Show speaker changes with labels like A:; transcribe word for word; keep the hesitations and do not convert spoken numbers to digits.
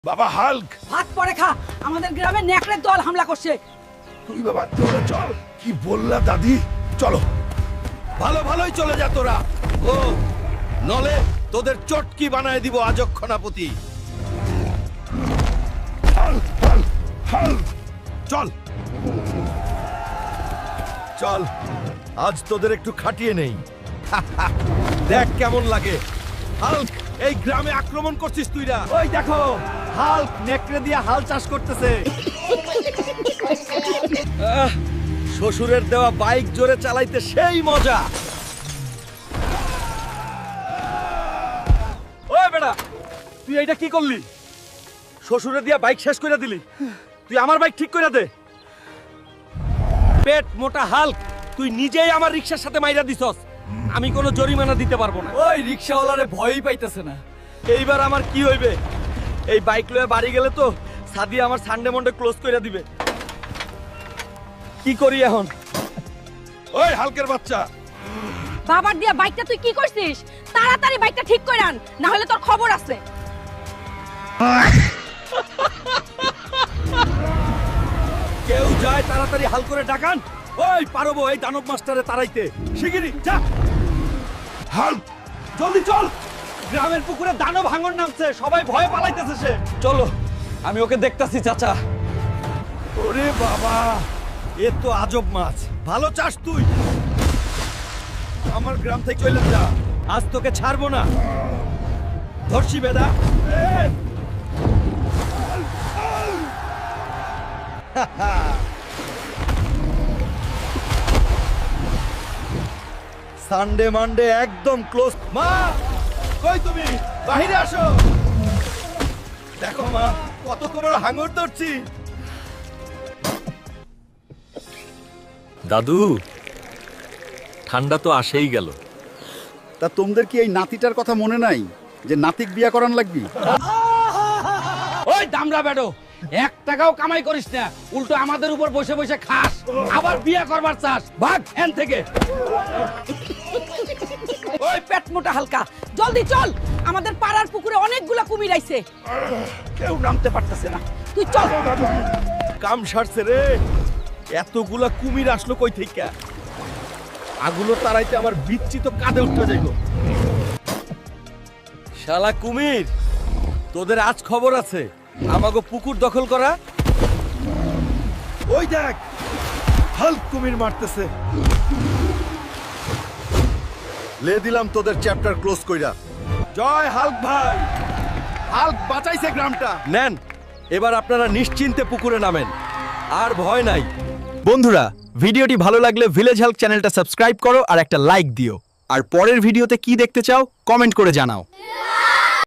A: বাবা হাল্ক,
B: ভাত পরে খা, আমাদের গ্রামে নেকড়ের দল হামলা করছে।
A: তুই বাবা চলো চল। কি বললা দাদি? চলো। ভালো ভালোই চলে যা তোরা। ও নলে তোদের চটকি বানায় দিব আজক্ষণাপতি। হাল্ক হাল্ক হাল্ক, চল চল, আজ তোদের একটু খাটিয়ে নেই। দেখ কেমন লাগে। হাল্ক, এই গ্রামে আক্রমণ করছিস তুইরা?
C: ওই দেখো, হাল্ক নেকড়ে দিয়ে হাল চাষ করতেছে।
A: আহ, শ্বশুরের দেওয়া বাইক জোরে চালাইতে সেই মজা।
C: ওই বেটা, তুই এইটা কি করলি? শ্বশুরে দিয়া বাইক শেষ করে দিলি। তুই আমার বাইক ঠিক করে দে।
A: পেট মোটা হাল্ক, তুই নিজেই আমার রিক্সার সাথে মাইরা দিছস। আমি কোনো জরিমানা দিতে পারবো না।
C: ওই রিক্সাওয়ালারে ভয়ই পাইতেছে না।
A: এইবার আমার কি হইবে? এই বাইক লয়ে বাড়ি গেলে তো সাদিয়া আমার সানডে মন্ডে ক্লোজ কইরা দিবে। কি করি এখন? ওই হালকের বাচ্চা,
B: বাবার দিয়া বাইকটা তুই কি করছিস? তাড়াতাড়ি বাইকটা ঠিক করে আন, না হলে তোর খবর আছে।
A: কেউ যায় তাড়াতাড়ি হাল করে ডাকান। ওই পারবো এই দানব মাস্টারে তাড়াইতে। শিগগিরই যা। হাল্ক, জলদি চল।
C: গ্রামের পুকুরে দানব ভাঙন নামছে, সবাই ভয়ে পালাইতেছে। সে চলো, আমি ওকে দেখতাছি চাচা।
A: ওরে বাবা, এ তো আজব মাছ। ভালো চাস তুই। আমার গ্রাম থেকে চলে যা, আজ তোকে ছাড়বো না। ধর্ষি বেদা। সানডে মানডে একদম ক্লোজ। মা কই তুমি? বাইরে আসো। দেখো মা, কত তোমার হাঙর ধরছি।
D: দাদু, ঠান্ডা তো আসেই গেল।
E: তা তোমাদের কি এই নাতিটার কথা মনে নাই যে নাতিক বিয়া করান লাগবি?
C: ওই দামড়া বেডো, এক টাকাও কামাই করিস না, উল্টো আমাদের উপর বসে বসে খাস, আবার বিয়ে করবার চাস। ভাগ এন থেকে।
B: ওই পেট মোটা হালকা, জলদি চল। আমাদের পাড়ার পুকুরে অনেকগুলা কুমির আইছে।
A: কেউ নামতে পারতেছে না।
B: তুই চল।
A: কাম সারছে রে। এতগুলা কুমির আসলো কই থেকে? আগুলো তারাইতে আমার বিচ্ছি তো কাঁধে উঠতে যাইব। শালা কুমির, তোদের আজ খবর আছে। আমাগো পুকুর দখল করা। ওই দেখ, হাল্ক কুমির মারতেছে। লে দিলাম তোদের চ্যাপ্টার ক্লোজ কইরা। জয় হাল্ক ভাই। হাল্ক বাঁচাইছে গ্রামটা। নেন, এবার আপনারা নিশ্চিন্তে পুকুরে নামেন, আর ভয় নাই।
F: বন্ধুরা, ভিডিওটি ভালো লাগলে ভিলেজ হেল্প চ্যানেলটা সাবস্ক্রাইব করো আর একটা লাইক দিও। আর পরের ভিডিওতে কি দেখতে চাও কমেন্ট করে জানাও।